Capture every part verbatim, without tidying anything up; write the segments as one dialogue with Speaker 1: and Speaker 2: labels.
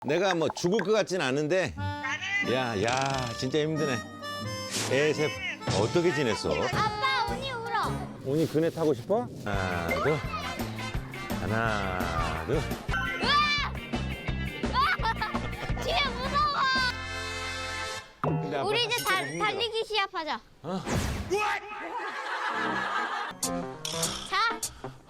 Speaker 1: 내가 뭐 죽을 것 같진 않은데 야, 야, 진짜 힘드네. 애새 어떻게 지냈어?
Speaker 2: 아빠, 언니 울어.
Speaker 1: 오니 그네 타고 싶어? 하나, 둘. 하나, 둘.
Speaker 2: 진짜 무서워.
Speaker 1: 근데 아빠
Speaker 2: 우리 이제
Speaker 1: 진짜
Speaker 2: 달,
Speaker 1: 힘들어.
Speaker 2: 달리기 시합하자.
Speaker 1: 어?
Speaker 2: 자.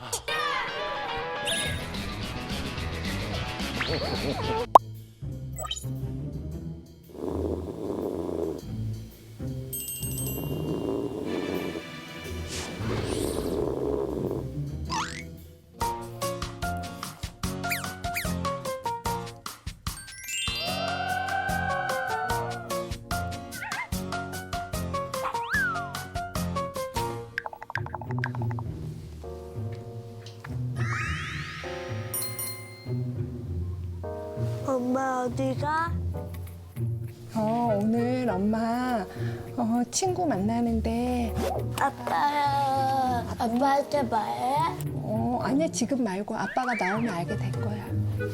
Speaker 2: 엄마 어디가?
Speaker 3: 어, 오늘 엄마 어, 친구 만나는데
Speaker 2: 아빠랑 아빠한테 말해?
Speaker 3: 어, 아니야 지금 말고 아빠가 나오면 알게 될 거야.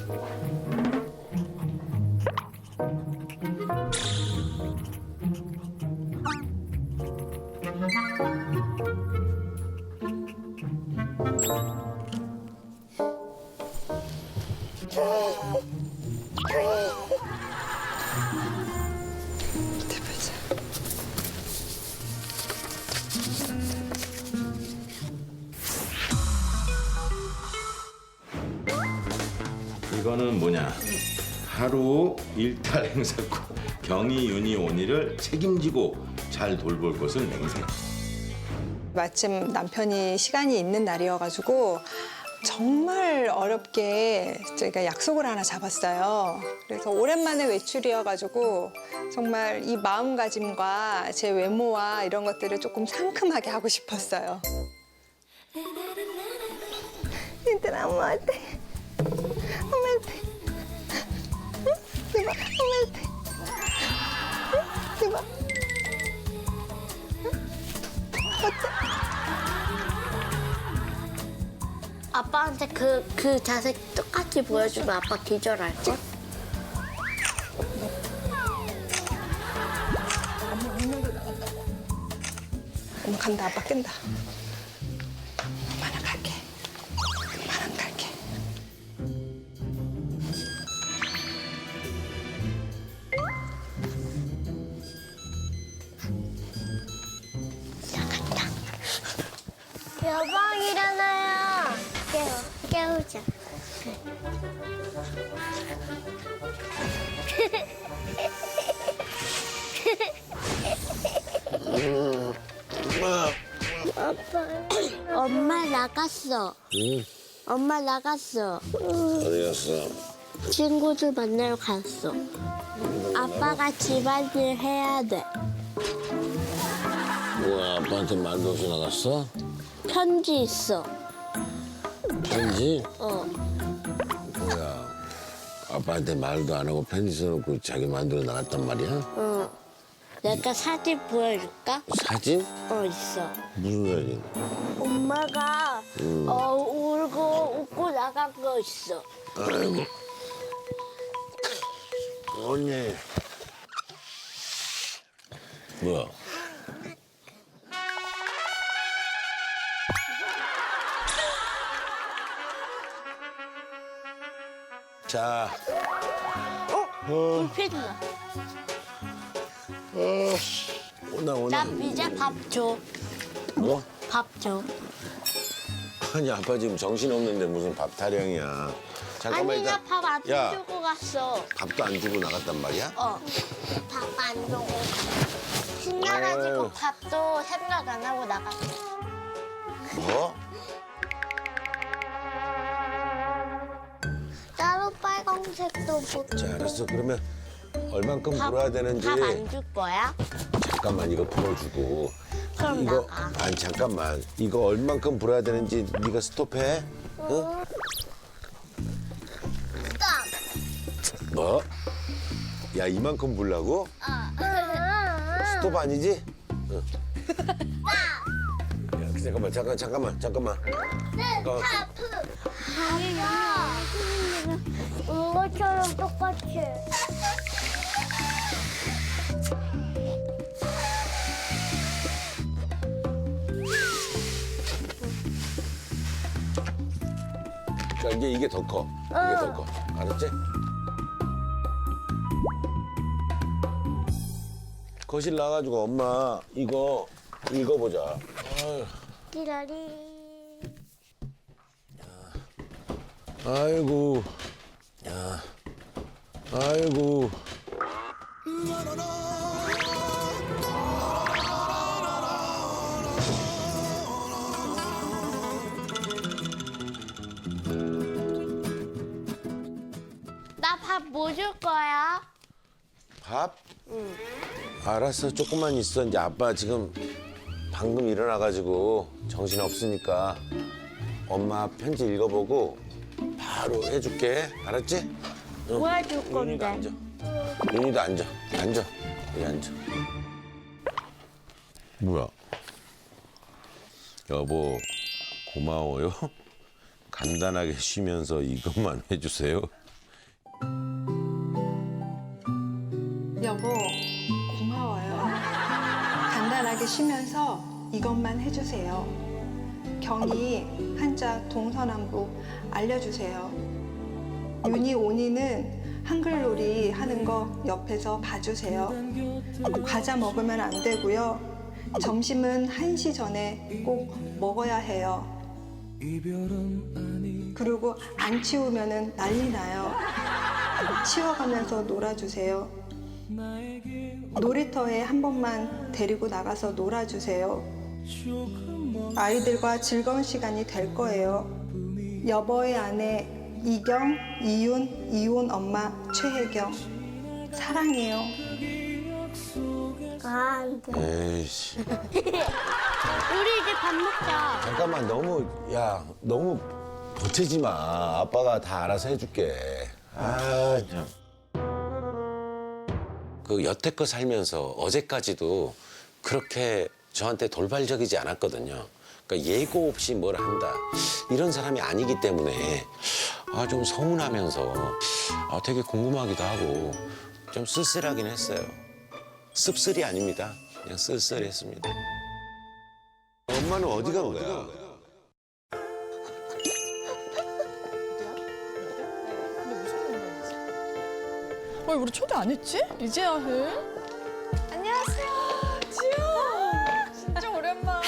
Speaker 4: 이거는 뭐냐? 하루 일탈 행사고 경이, 윤이, 온이를 책임지고 잘 돌볼 것을 맹세.
Speaker 5: 마침 남편이 시간이 있는 날이어가지고 정말 어렵게 저희가 약속을 하나 잡았어요. 그래서 오랜만에 외출이어가지고 정말 이 마음가짐과 제 외모와 이런 것들을 조금 상큼하게 하고 싶었어요. 얘들아, 엄마한테. 엄마한테. 응? 제발, 엄마한테. 응? 제발.
Speaker 2: 아빠한테 그, 그 자세 똑같이 보여주면 아빠 기절할걸?
Speaker 5: 엄마 간다, 아빠 끈다. 엄마는 갈게. 엄마는 갈게.
Speaker 2: 여방 일어나요. 깨워, 깨우자. 아빠, 엄마 나갔어.
Speaker 1: 응?
Speaker 2: 엄마 나갔어.
Speaker 1: 어디 갔어?
Speaker 2: 친구들 만나러 갔어. 아빠가 집안일 해야 돼.
Speaker 6: 뭐야, 아빠한테 말도 없이 나갔어?
Speaker 2: 편지 있어.
Speaker 6: 편지?
Speaker 2: 어.
Speaker 6: 뭐야, 아빠한테 말도 안 하고 편지 써놓고 자기 마음대로 나갔단 말이야?
Speaker 2: 어. 내가 사진 보여줄까?
Speaker 6: 사진?
Speaker 2: 어, 있어.
Speaker 6: 무슨 사진?
Speaker 2: 엄마가 어, 울고 웃고 나간 거 있어.
Speaker 6: 아이고. 언니. 뭐야?
Speaker 1: 자,
Speaker 2: 불필요해.
Speaker 6: 오나, 오나.
Speaker 2: 나 이제 밥 줘.
Speaker 6: 뭐?
Speaker 2: 밥 줘.
Speaker 6: 아니, 아빠 지금 정신없는데 무슨 밥 타령이야. 잠깐만,
Speaker 2: 아니,
Speaker 6: 일단.
Speaker 2: 나 밥 안
Speaker 6: 야,
Speaker 2: 주고 갔어.
Speaker 6: 밥도 안 주고 나갔단 말이야?
Speaker 2: 어. 밥 안 주고. 신나가지고
Speaker 6: 아유.
Speaker 2: 밥도 생각 안 하고 나갔어.
Speaker 6: 뭐?
Speaker 2: 따로 빨간색도 못.
Speaker 6: 자, 알았어. 그러면 얼만큼
Speaker 2: 밥-
Speaker 6: 불어야 되는지.
Speaker 2: 밥 안 줄 거야?
Speaker 6: 잠깐만 이거 풀어주고.
Speaker 2: 그럼
Speaker 6: 이거
Speaker 2: 나가.
Speaker 6: 아니 잠깐만 이거 얼만큼 불어야 되는지 네가 스톱해. 응?
Speaker 2: 스톱.
Speaker 6: 뭐? 야 이만큼 불라고?
Speaker 2: 어.
Speaker 6: 스톱 아니지? 응. 야 잠깐만 잠깐 잠깐만 잠깐만.
Speaker 2: 네,
Speaker 6: 어.
Speaker 2: 하프. 아빠, 이것처럼 똑같이.
Speaker 6: 자, 이제 이게 더 커. 이게 더 커. 알았지? 거실 나가지고 엄마 이거 읽어보자. 아유,
Speaker 2: 기다리.
Speaker 6: 아이고. 야. 아이고.
Speaker 2: 나 밥 뭐 줄 거야?
Speaker 6: 밥? 응. 알았어. 조금만 있어. 이제 아빠 지금 방금 일어나가지고 정신 없으니까 엄마 편지 읽어보고 바로 해줄게. 알았지? 응.
Speaker 2: 뭐 해줄
Speaker 6: 윤희도
Speaker 2: 건데?
Speaker 6: 앉아. 윤희도 앉아. 앉아. 여기 앉아. 뭐야? 여보, 고마워요. 간단하게 쉬면서 이것만 해주세요.
Speaker 5: 여보, 고마워요. 간단하게 쉬면서 이것만 해주세요. 경이 한자 동서남북 알려주세요. 윤희 온이는 한글놀이 하는 거 옆에서 봐주세요. 과자 먹으면 안 되고요. 점심은 한 시 전에 꼭 먹어야 해요. 그리고 안 치우면 난리 나요. 치워가면서 놀아주세요. 놀이터에 한 번만 데리고 나가서 놀아주세요. 아이들과 즐거운 시간이 될 거예요. 여보의 아내 이경, 이윤, 이혼 엄마 최혜경. 사랑해요.
Speaker 2: 아, 안 돼.
Speaker 6: 에이씨.
Speaker 2: 우리 이제 밥 먹자.
Speaker 6: 잠깐만 너무 야 너무 보채지 마. 아빠가 다 알아서 해줄게. 아 참. 그 여태껏 살면서 어제까지도 그렇게 저한테 돌발적이지 않았거든요. 그러니까 예고 없이 뭘 한다 이런 사람이 아니기 때문에 아 좀 서운하면서 아 되게 궁금하기도 하고 좀 쓸쓸하긴 했어요. 씁쓸이 아닙니다. 그냥 쓸쓸했습니다. 엄마는 어디 간 거야?
Speaker 7: 왜 우리 초대 안 했지? 이제야 해? 안녕하세요. 지효. 진짜 오랜만.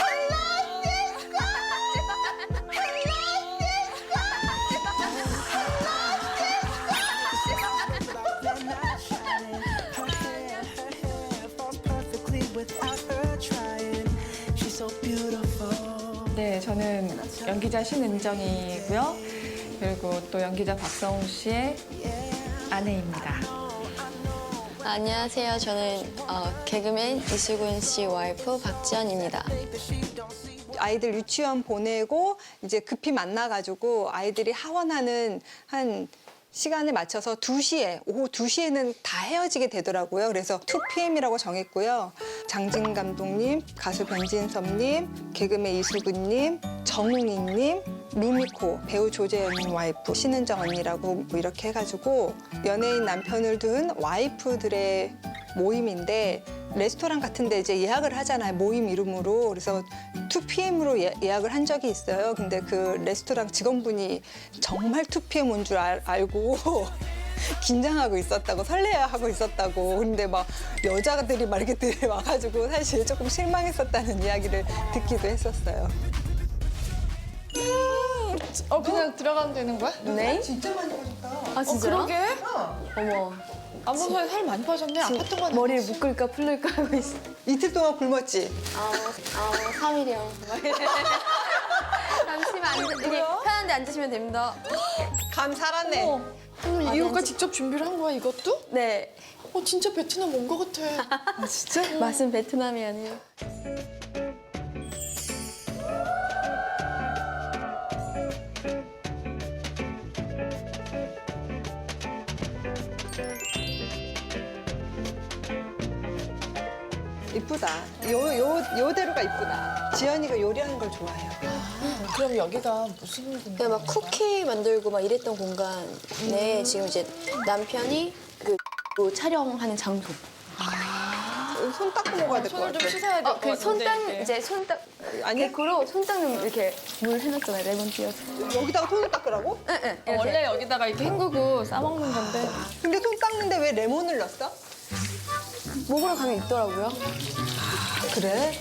Speaker 8: 네, 저는 연기자 신은정이고요. 그리고 또 연기자 박성우 씨의 아내입니다.
Speaker 9: 안녕하세요. 저는 어, 개그맨 이수근 씨 와이프 박지연입니다.
Speaker 5: 아이들 유치원 보내고 이제 급히 만나가지고 아이들이 하원하는 한 시간을 맞춰서 두 시에, 오후 두 시에는 다 헤어지게 되더라고요. 그래서 투 피엠이라고 정했고요. 장진 감독님, 가수 변진섭님, 개그맨 이수근님, 정웅이님, 루미코, 배우 조재현님 와이프, 신은정 언니라고 뭐 이렇게 해가지고 연예인 남편을 둔 와이프들의 모임인데 레스토랑 같은 데 이제 예약을 하잖아요. 모임 이름으로. 그래서 투 피엠으로 예, 예약을 한 적이 있어요. 근데 그 레스토랑 직원분이 정말 투 피엠 온 줄 알고 긴장하고 있었다고, 설레하고 있었다고. 근데 막 여자들이 막 이렇게 와가지고 사실 조금 실망했었다는 이야기를 듣기도 했었어요.
Speaker 7: 어 그냥 들어가면 되는 거야?
Speaker 9: 네?
Speaker 5: 진짜 많이 오셨다.
Speaker 9: 아 진짜요?
Speaker 7: 그러게.
Speaker 9: 어머.
Speaker 7: 안 본 사이 살 많이 빠졌네. 아팠던 건
Speaker 9: 머리를
Speaker 7: 아니지?
Speaker 9: 묶을까 풀릴까 하고 있어.
Speaker 5: 이틀 동안 굶었지?
Speaker 9: 아우, 아우, 삼 일이요. 잠시만 앉으, 이렇게 편한데 앉으시면 됩니다.
Speaker 5: 감 살았네.
Speaker 7: 어머, 그럼
Speaker 9: 아,
Speaker 7: 이거까지
Speaker 9: 네.
Speaker 7: 직접 준비를 한 거야, 이것도?
Speaker 9: 네.
Speaker 7: 어, 진짜 베트남 온 거 같아.
Speaker 9: 아, 진짜? 맛은 베트남이 아니에요.
Speaker 5: 이쁘다. 요, 요, 요대로가 이쁘다. 지연이가 요리하는 걸 좋아해요.
Speaker 7: 그럼 여기가 무슨 공간?
Speaker 9: 그냥 막 쿠키 만들고 막 이랬던 공간에 지금 이제 남편이 그 촬영하는 장소.
Speaker 5: 손 닦고 먹어야 될 것
Speaker 7: 손을
Speaker 5: 같아.
Speaker 7: 좀 씻어야 될 것 같은데.
Speaker 9: 그 손닦
Speaker 7: 이게.
Speaker 9: 이제 손닦
Speaker 5: 아니야?
Speaker 9: 데코로 손 닦는 이렇게 물 해놨잖아요. 레몬 띄어서.
Speaker 5: 여기다가 손을 닦으라고?
Speaker 9: 응, 응.
Speaker 7: 어, 원래 여기다가 이렇게 헹구고 싸먹는 건데.
Speaker 5: 근데 손 닦는데 왜 레몬을 넣었어?
Speaker 9: 먹으러 가면 있더라고요.
Speaker 5: 그래?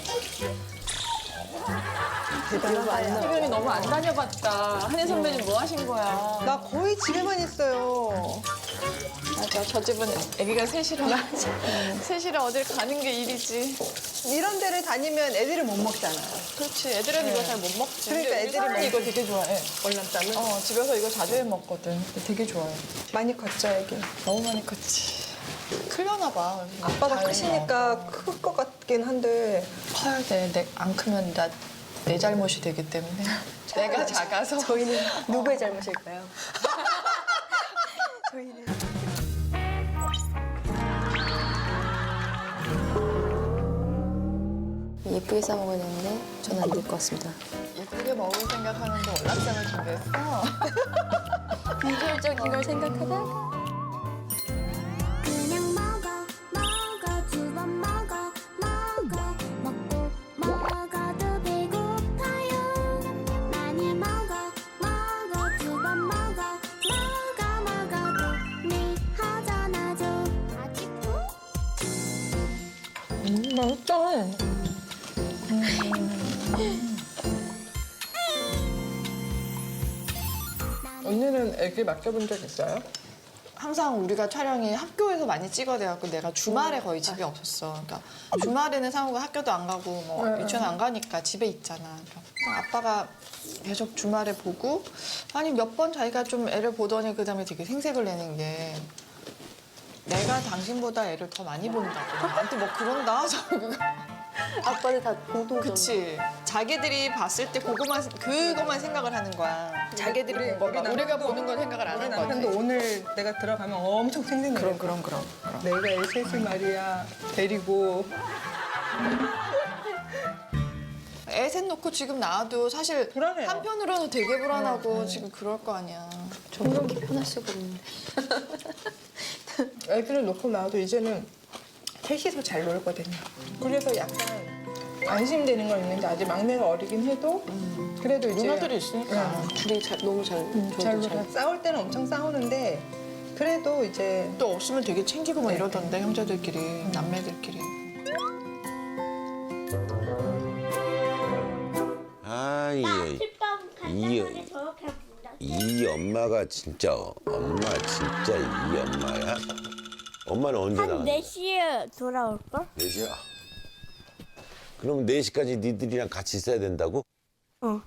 Speaker 5: 대단하다.
Speaker 7: 태변이 너무 안 다녀봤다. 한혜 선배님 뭐 하신 거야?
Speaker 5: 나 거의 집에만 있어요.
Speaker 7: 맞아, 저 집은 아기가 셋이라. 셋이라 어딜 가는 게 일이지.
Speaker 5: 이런 데를 다니면 애들이 못 먹잖아.
Speaker 7: 그렇지, 애들은 이거 잘 못 먹지.
Speaker 5: 그러니까
Speaker 7: 근데 우리
Speaker 5: 애들이
Speaker 7: 사람이
Speaker 5: 먹-
Speaker 7: 이거 되게 좋아해.
Speaker 5: 월남쌈은
Speaker 7: 어, 집에서 이거 자주 해 먹거든. 근데 되게 좋아해.
Speaker 5: 많이 컸죠, 애기.
Speaker 7: 너무 많이 컸지. 클려나 봐.
Speaker 5: 아빠가
Speaker 7: 다행이다.
Speaker 5: 크시니까 클 것 같긴 한데
Speaker 7: 커야 돼. 내, 안 크면 나, 내 잘못이 되기 때문에. 내가 작아서.
Speaker 9: 저희는 누구의 잘못일까요? 예쁘게 싸먹어야 되는데 저는 안 될 것 같습니다.
Speaker 7: 예쁘게 먹을 생각하는데 월남쌈을 준비했어.
Speaker 9: 비주얼적인 걸 생각하다
Speaker 10: 그냥 먹어 먹어 두 번 먹어 먹어 먹고 먹어도 배고파요 많이 먹어 먹어 두 번 먹어 먹어 먹어도 미하잖아도 아직도
Speaker 7: 음, 맛있다. 언니는 애기 맡겨본 적 있어요? 항상 우리가 촬영이 학교에서 많이 찍어대갖고 내가 주말에 거의 집에 없었어. 그러니까 주말에는 상우가 학교도 안 가고 뭐 유치원 안 가니까 집에 있잖아. 그래서 아빠가 계속 주말에 보고 아니 몇 번 자기가 좀 애를 보더니 그다음에 되게 생색을 내는 게 내가 당신보다 애를 더 많이 본다고. 나한테 뭐 그런다.
Speaker 9: 아빠는 다 보도
Speaker 7: 그치. 자기들이 봤을 때 그거만, 그거만 생각을 하는 거야. 자기들이 본 거가. 우리가 보는 건 생각을 안 하는 거지.
Speaker 5: 남편도 오늘 내가 들어가면 엄청 생생해.
Speaker 7: 그럼, 그럼, 그럼. 그럼.
Speaker 5: 내가 애 셋을 말이야 데리고
Speaker 7: 애 셋 놓고 지금 나와도 사실
Speaker 5: 불안해요.
Speaker 7: 한편으로는 되게 불안하고 지금 그럴 거 아니야.
Speaker 9: 전 그렇게 편할 수가 없는데.
Speaker 3: 애들을 놓고 나와도 이제는 셋이서 잘 놀거든요. 그래서 약간 안심되는 건 있는데 아직 막내가 어리긴 해도 그래도 이제
Speaker 7: 누나들이 있으니까.
Speaker 3: 응.
Speaker 9: 둘이 잘, 너무 잘,
Speaker 3: 잘
Speaker 9: 저희도
Speaker 3: 놀아. 싸울 때는 엄청 싸우는데 그래도 이제
Speaker 7: 또 없으면 되게 챙기고 막 이러던데, 형제들끼리, 남매들끼리.
Speaker 6: 아, 이, 이, 이 엄마가 진짜 엄마 진짜 이 엄마야? 엄마는 언제 나가?
Speaker 2: 네 시에 돌아올걸?
Speaker 6: 네 시야? 그럼 네 시까지 니들이랑 같이 있어야 된다고?
Speaker 2: 어.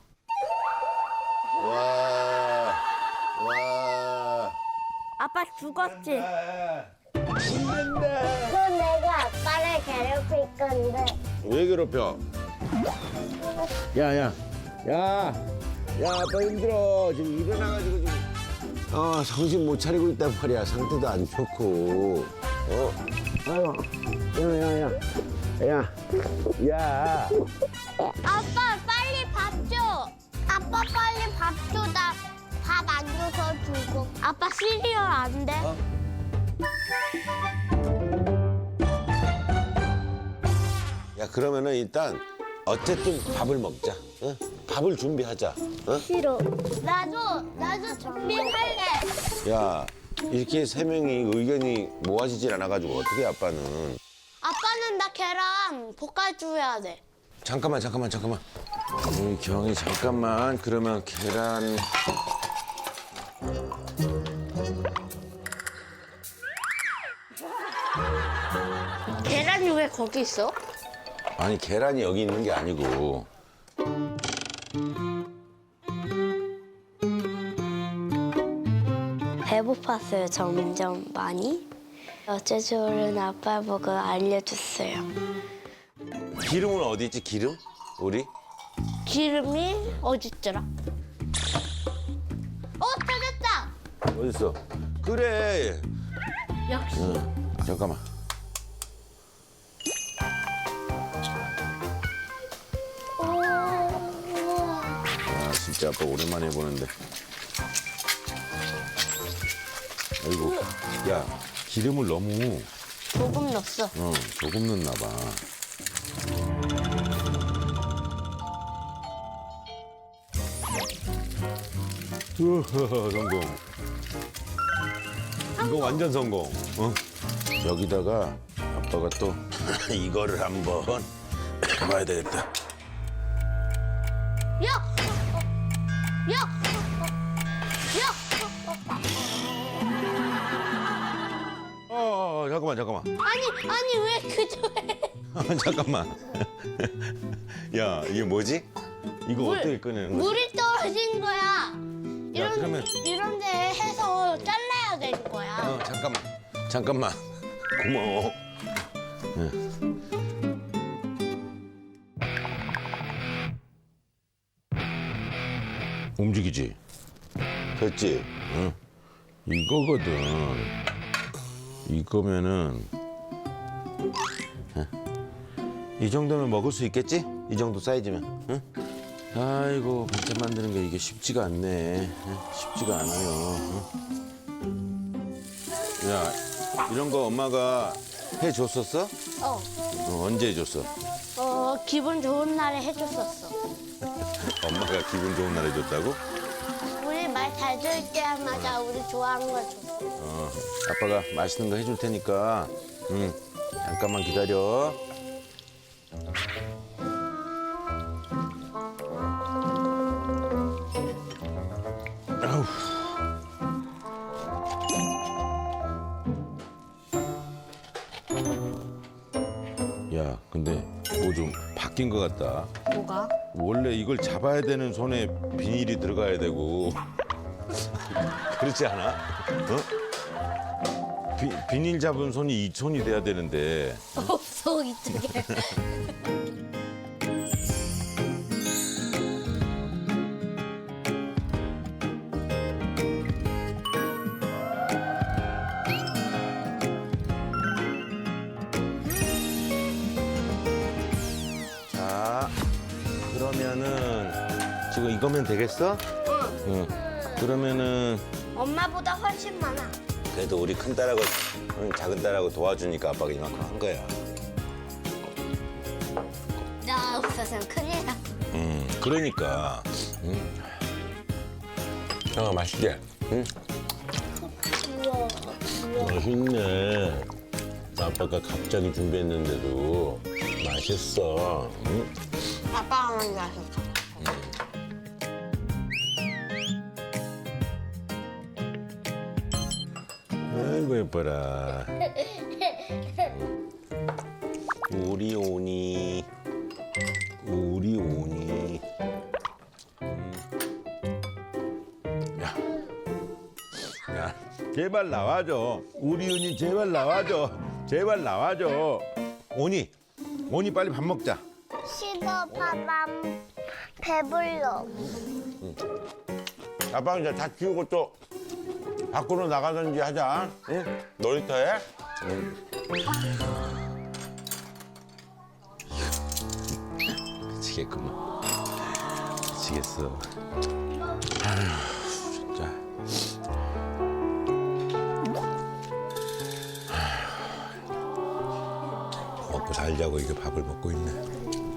Speaker 6: 와, 와.
Speaker 2: 아빠 죽었지?
Speaker 6: 죽는다.
Speaker 2: 그럼 내가 아빠를 괴롭힐 건데.
Speaker 6: 왜 괴롭혀? 야, 야, 야, 야, 아빠 힘들어. 지금 일어나가지고 지금. 어, 정신 못 차리고 있단 말이야. 상태도 안 좋고. 어? 아유, 야, 야, 야. 야, 야.
Speaker 2: 아빠 빨리 밥 줘. 아빠 빨리 밥 줘. 나 밥 안 줘서 주고. 아빠 시리얼 안 돼?
Speaker 6: 어? 야, 그러면은 일단 어쨌든 밥을 먹자. 어? 밥을 준비하자. 어?
Speaker 2: 싫어. 나도 나도 준비할래.
Speaker 6: 야, 이렇게 세 명이 의견이 모아지질 않아가지고 어떻게 아빠는.
Speaker 2: 아빠는 나 계란 볶아줘야 돼.
Speaker 6: 잠깐만, 잠깐만, 잠깐만. 우리 경이 잠깐만. 그러면 계란.
Speaker 2: 계란이 왜 거기 있어?
Speaker 6: 아니, 계란이 여기 있는 게 아니고.
Speaker 2: 배고팠어요, 점점 많이. 어제 저는 아빠 보고 알려줬어요.
Speaker 6: 기름은 어디 있지, 기름? 우리?
Speaker 2: 기름이 어딨더라? 어, 찾았다!
Speaker 6: 어딨어? 그래.
Speaker 2: 역시.
Speaker 6: 응, 잠깐만.
Speaker 2: 오, 우와.
Speaker 6: 야,
Speaker 4: 진짜 아빠 오랜만에 해보는데. 아이고, 야 기름을 너무
Speaker 2: 조금 넣었어.
Speaker 4: 어 조금 넣나 봐. 우허, 성공. 이거 완전 성공. 어? 여기다가 아빠가 또 이거를 한번 해봐야 되겠다.
Speaker 2: 야! 야! 야!
Speaker 4: 어, 어, 어 잠깐만 잠깐만.
Speaker 2: 아니, 아니 왜 그저 해?
Speaker 4: 잠깐만. 야 이게 뭐지? 이거
Speaker 2: 물,
Speaker 4: 어떻게 꺼내는 거지?
Speaker 2: 물이 떨어진 거야. 이런
Speaker 4: 그러면-
Speaker 2: 이런 데 해서 잘라야 되는 거야.
Speaker 4: 어 잠깐만 잠깐만. 고마워. 움직이지? 됐지? 응. 이거거든. 이거면은 응. 이 정도면 먹을 수 있겠지? 이 정도 사이즈면. 응? 아이고 반찬 만드는 게 이게 쉽지가 않네. 응? 쉽지가 않아요. 응? 야 이런 거 엄마가 해줬었어?
Speaker 2: 어,
Speaker 4: 어, 언제 해줬어?
Speaker 2: 어 기분 좋은 날에 해줬었어.
Speaker 4: 엄마가 기분 좋은 날 해줬다고?
Speaker 2: 우리 말 잘 들을 때마다 우리 좋아하는 걸 줬어.
Speaker 4: 어, 아빠가 맛있는 거 해줄 테니까 응, 잠깐만 기다려. 아우. 야, 근데 뭐 좀 바뀐 것 같다.
Speaker 2: 뭐가?
Speaker 4: 원래 이걸 잡아야 되는 손에 비닐이 들어가야 되고 그렇지 않아? 어? 비, 비닐 잡은 손이 이 손이 돼야 되는데
Speaker 2: 없어 이쪽에.
Speaker 4: 자 그러면은 지금 이거면 되겠어? 응. 그러면은
Speaker 2: 엄마보다 훨씬 많아.
Speaker 6: 그래도 우리 큰 딸하고 응, 작은 딸하고 도와주니까 아빠가 이만큼 한 거야.
Speaker 2: 나 없어서는 큰일 나.
Speaker 4: 음 그러니까 음. 아 맛있게 응?
Speaker 2: 우와, 우와.
Speaker 4: 맛있네. 아빠가 갑자기 준비했는데도 맛있어. 응?
Speaker 2: 아빠가 먼저 하셨어.
Speaker 4: 아이고 예뻐라. 우리 오니 우리 오니. 음. 야, 야, 제발 나와줘. 우리 오니 제발 나와줘. 제발 나와줘. 오니, 오니 빨리 밥 먹자.
Speaker 2: 싫어, 밥안 배불러.
Speaker 1: 아빠가 이제 다 키우고 또 밖으로 나가든지 하자. 응? 놀이터에?
Speaker 4: 미치겠구만. 미치겠어. 아휴, 진짜. 아휴, 먹고 살자고 이게 밥을 먹고 있네.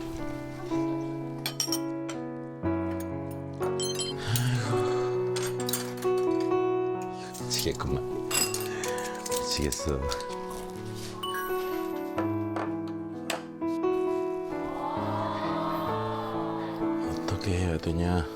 Speaker 4: 아이고, 미치겠구만. 미치겠어. 어떻게 해야 되냐?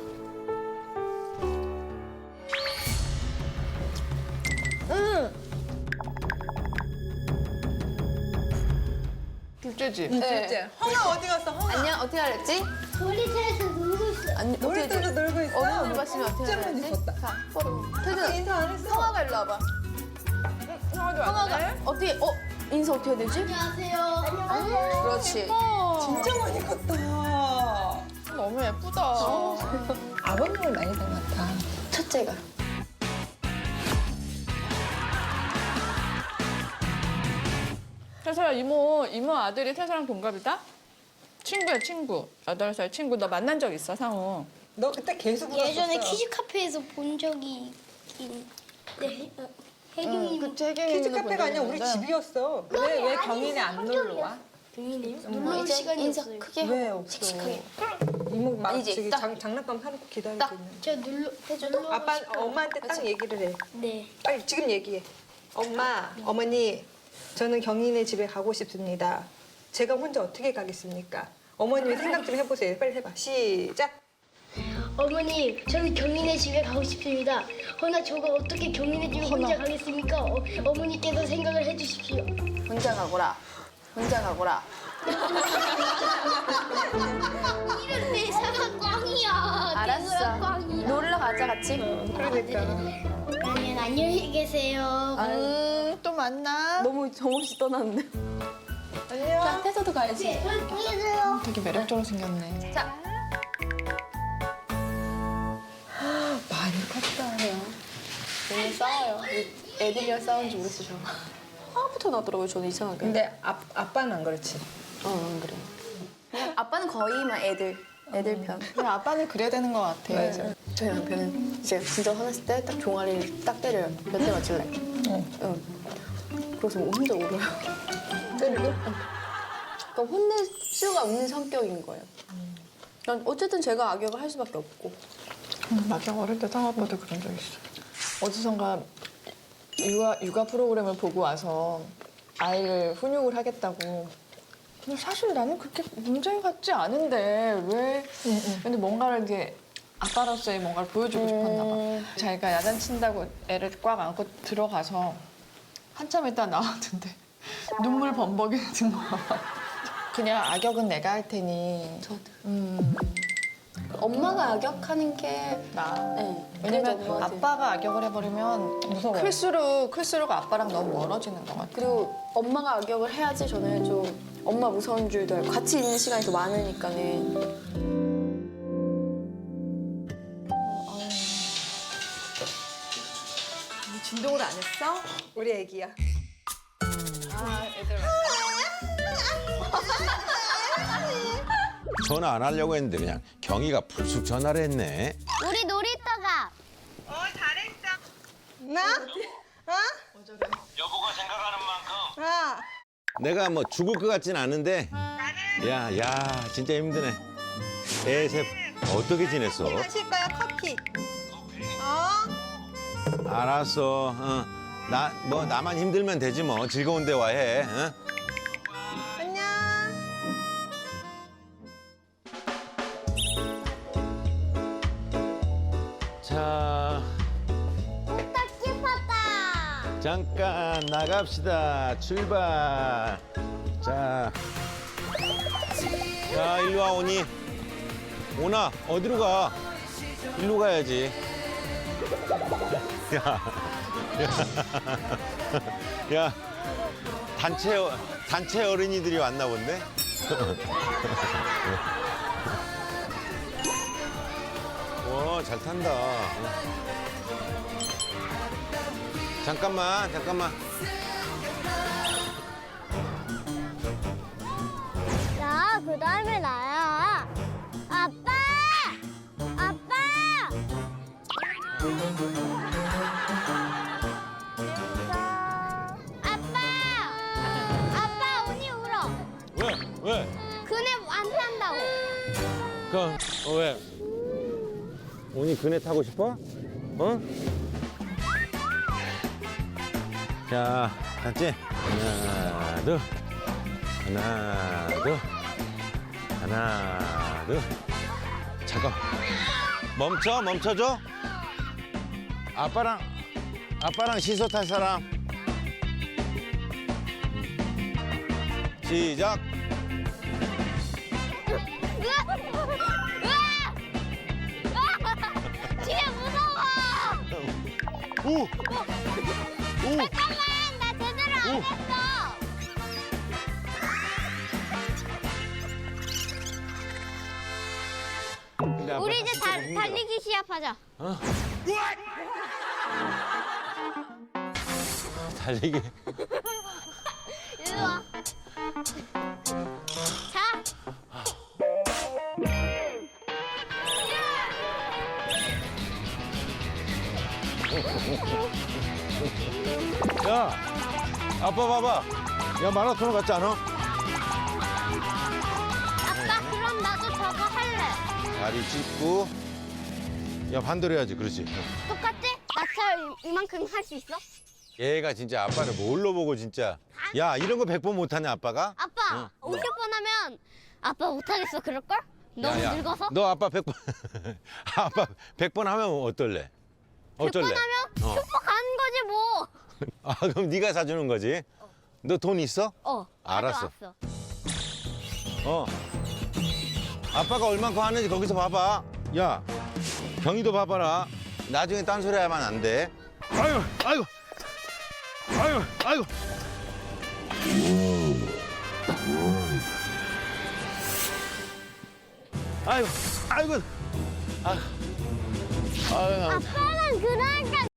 Speaker 7: 둘째지?
Speaker 3: 진짜. 허나 어디 갔어? 허나.
Speaker 9: 안녕, 어떻게 알았지?
Speaker 2: 놀이터에서 놀고 있어.
Speaker 9: 아니,
Speaker 3: 놀이터에서 놀고 있어.
Speaker 9: 어느 봤으면 어떻게
Speaker 3: 진짜 많이
Speaker 9: 알았지?
Speaker 3: 컸다.
Speaker 9: 자, 서로. 태준,
Speaker 3: 인사 안 했어.
Speaker 9: 성화가 일로 와봐.
Speaker 3: 형아도
Speaker 9: 성화가 어떻게, 어? 인사 어떻게 해야 되지?
Speaker 2: 안녕하세요. 안녕하세요.
Speaker 9: 그렇지.
Speaker 3: 진짜 많이 컸다.
Speaker 7: 너무 예쁘다.
Speaker 3: 아버님을 많이 닮았다.
Speaker 9: 첫째가.
Speaker 8: 태서야 이모 이모 아들이 태서랑 동갑이다? 친구야 친구. 여덟 살 친구. 너 만난 적 있어 상우?
Speaker 3: 너 그때 계속 울었었어.
Speaker 2: 예전에 키즈 카페에서 본 적이 있긴. 네. 혜경이
Speaker 7: 그치, 혜경이
Speaker 3: 키즈
Speaker 7: 있는 거
Speaker 3: 카페가 아니라 우리
Speaker 7: 보여줬는데.
Speaker 3: 집이었어. 왜 왜 경인에 안 놀러 와?
Speaker 2: 놀러 올 시간이
Speaker 9: 인사
Speaker 2: 없어요.
Speaker 9: 크게
Speaker 3: 왜
Speaker 9: 하고
Speaker 3: 없어?
Speaker 9: 씩씩하게.
Speaker 3: 이모 막
Speaker 9: 아니지,
Speaker 3: 저기
Speaker 9: 딱.
Speaker 3: 장, 장난감 사놓고 기다리고
Speaker 9: 딱.
Speaker 3: 있는.
Speaker 2: 제가 놀러 놀러
Speaker 3: 아빠
Speaker 2: 싶어요.
Speaker 3: 엄마한테 딱 얘기를 해.
Speaker 2: 네.
Speaker 3: 빨리 지금 얘기해. 엄마, 어머니, 저는 경인의 집에 가고 싶습니다. 제가 혼자 어떻게 가겠습니까? 어머님이 생각 좀 해보세요. 빨리 해봐. 시작.
Speaker 2: 어머니, 저는 경인의 집에 가고 싶습니다. 허나 저가 어떻게 경인의 집에 혼자 가겠습니까? 어, 어머니께서 생각을 해주십시오.
Speaker 9: 혼자 가거라. 혼자 가거라.
Speaker 2: 이런 대사가 꽝이야.
Speaker 9: 알았어.
Speaker 2: 대사가 꽝이야.
Speaker 9: 놀러 가자 같이.
Speaker 3: 그러니까.
Speaker 2: 그러면 안녕히 계세요.
Speaker 7: 음, 또 만나.
Speaker 9: 너무 정없이 떠났는데.
Speaker 7: 안녕.
Speaker 9: 자, 태서도 가야지.
Speaker 2: 안녕히 계세요.
Speaker 7: 되게 매력적으로 생겼네.
Speaker 9: 자.
Speaker 3: 많이 컸다.
Speaker 9: 오늘 싸워요. 애들이랑 싸우는지 모르겠어, 저. 화부터 나더라고요, 저는 이상하게.
Speaker 3: 근데 아, 아빠는 안 그렇지.
Speaker 9: 어, 안 그래. 그냥 아빠는 거의만 애들, 애들 편.
Speaker 7: 근데 아빠는 그래야 되는 것 같아.
Speaker 3: 맞아.
Speaker 9: 저희 남편은 이제 진짜 화났을 때 딱 종아리를 딱 때려요. 몇 대 맞을래? 응. 그래서 혼자 울어요. 때리고? 그러니까 혼낼 수가 없는 성격인 거예요. 난 어쨌든 제가 악역을 할 수밖에 없고.
Speaker 7: 음, 막영 어릴 때 상아빠도 그런 적 있어. 어디선가 육아, 육아 프로그램을 보고 와서 아이를 훈육을 하겠다고. 근데 사실 나는 그렇게 문제 같지 않은데 왜? 근데 뭔가를 이제 아빠로서의 뭔가를 보여주고 싶었나 봐. 자기가 야단친다고 애를 꽉 안고 들어가서 한참 있다 나왔는데 눈물 범벅이는 거야. 그냥 악역은 내가 할 테니.
Speaker 9: 저도.
Speaker 7: 음,
Speaker 9: 엄마가 악역하는 게
Speaker 7: 나.
Speaker 9: 네.
Speaker 7: 왜냐면
Speaker 9: 그래도 엄마한테.
Speaker 7: 아빠가 악역을 해버리면
Speaker 3: 무서워.
Speaker 7: 클수록 클수록 아빠랑 너무 멀어지는 것 같아.
Speaker 9: 그리고 엄마가 악역을 해야지 저는 좀 엄마 무서운 줄도 알고 같이 있는 시간이 더 많으니까는.
Speaker 7: 진동을 안 했어?
Speaker 3: 우리 애기야.
Speaker 7: 아, 애들
Speaker 1: 전화 안 하려고 했는데 그냥 경희가 불쑥 전화를 했네.
Speaker 2: 우리 놀이터 가.
Speaker 3: 나? 어?
Speaker 6: 여보가 생각하는 만큼
Speaker 3: 아.
Speaker 1: 내가 뭐 죽을 것 같진 않은데. 야, 야, 진짜 힘드네. 애셋 어떻게 지냈어?
Speaker 3: 마실 거야 커피. 어?
Speaker 1: 알았어. 어. 나 뭐 나만 힘들면 되지 뭐. 즐거운 대화 해. 어?
Speaker 3: 안녕.
Speaker 1: 자,
Speaker 2: 딱 깊었다.
Speaker 1: 잠깐 나갑시다. 출발. 자, 자, 일로 와 오니. 오나 어디로 가? 일로 가야지. 야, 야, 야, 단체 어- 단체 어린이들이 왔나 본데. 와, 잘 탄다. 잠깐만, 잠깐만.
Speaker 2: 야, 그 다음에 나야. 아빠! 아빠! 아빠! 아빠, 언니 울어.
Speaker 1: 왜? 왜?
Speaker 2: 그네 안 탄다고.
Speaker 1: 그, 어, 왜? 오니 그네 타고 싶어? 어? 자, 갔지? 하나, 둘. 하나, 둘. 하나, 둘. 잠깐. 멈춰, 멈춰줘. 아빠랑, 아빠랑 시소 탈 사람. 시작.
Speaker 2: 진짜 무서워.
Speaker 1: 오! 오!
Speaker 2: 잠깐만, 나 제대로 안
Speaker 1: 오.
Speaker 2: 했어.
Speaker 1: 근데 아빠
Speaker 2: 우리 이제
Speaker 1: 조금
Speaker 2: 다,
Speaker 1: 힘들어.
Speaker 2: 달리기 시합하자.
Speaker 1: 달리기.
Speaker 2: 일로 와. 자.
Speaker 1: 야, 아빠 봐봐. 야, 마라톤 같지 않아?
Speaker 2: 아빠 그럼 나도 저거 할래.
Speaker 1: 다리 찢고. 야, 반대로 해야지. 그렇지.
Speaker 2: 똑같지? 나처럼 이만큼 할 수 있어?
Speaker 1: 얘가 진짜 아빠를 뭘로 보고 진짜. 야, 이런 거 백 번 못하냐, 아빠가?
Speaker 2: 아빠 오십 번 하면 아빠 못하겠어 그럴걸? 너무
Speaker 1: 야, 야,
Speaker 2: 늙어서?
Speaker 1: 너 아빠 백 번. 아빠 백 번 하면 어떨래? 어쩔래?
Speaker 2: 백 번 하면
Speaker 1: 어.
Speaker 2: 슈퍼 가는 거지 뭐.
Speaker 1: 아, 그럼 네가 사주는 거지? 너 돈 있어?
Speaker 2: 어.
Speaker 1: 알았어.
Speaker 2: 가져왔어.
Speaker 1: 어. 아빠가 얼만큼 하는지 거기서 봐봐. 야, 경이도 봐봐라. 나중에 딴소리 하면 안 돼. 아이고, 아이고. 아이고, 아이고. 아이고, 아이고. 아, 아이고.
Speaker 2: 아빠는 그러니까